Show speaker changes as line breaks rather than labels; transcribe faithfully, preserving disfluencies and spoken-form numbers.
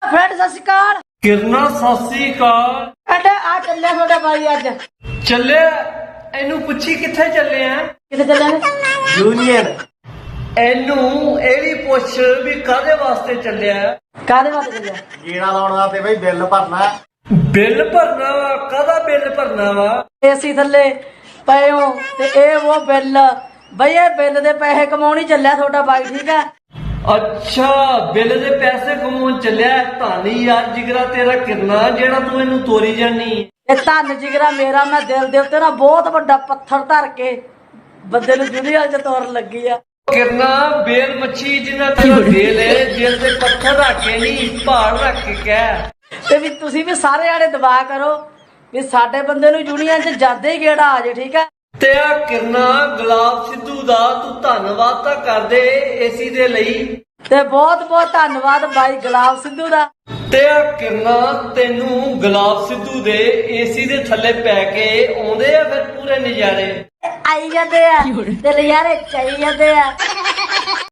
Friend सत श्री अकाल।
किरना सत श्री अकाल।
फ्रेंड आ चले थोड़ा भाई अज
चले एनू पुछी किथे चले हैं?
किथे चले ने?
यूनियन। एनू ए भी पुछ भी कादे वास्ते चलिया?
कादे वास्ते चले?
गीड़ा लाउण वास्ते बई बिल भरना।
बिल भरना वा? कादा बिल भरना वा?
एसी थले पए हो ते ए वो बिल बई ए बिल दे पैसे कमाउणी चलिया थोड़ा भाई, ठीक है?
अच्छा बिल दे पैसे कमाउण चलिया। धानी यार जिगरा तेरा किरना जेड़ा तू इनू तोरी जानी।
ए धन जिगरा मेरा, मैं दिल दे उत्ते ना बहुत बड़ा पत्थर धर के बंदे नू दुनिया च तोड़न लगी आ।
किरना बेल मच्छी जिन्ना तेरा दिल है, दिल दे पत्थर रख के नहीं पहाड़ रख के कह।
ते भी तुसी भी सारे आड़े दबा करो भी साडे बंदे नू यूनियन च जादे ही गेड़ा आ जे, ठीक है?
ते आ किरना गुलाब सिद्धू दा तू धन्नवाद तां कर दे एसी दे लई।
ते बहुत बहुत धन्नवाद भाई गुलाब सिद्धू दा।
ते आ किरना तेनू गुलाब सिद्धू दे एसी दे थल्ले पै के आउंदे आ फिर पूरे नजारे?
आई जाते हैं ते नजारे चाई जाते हैं।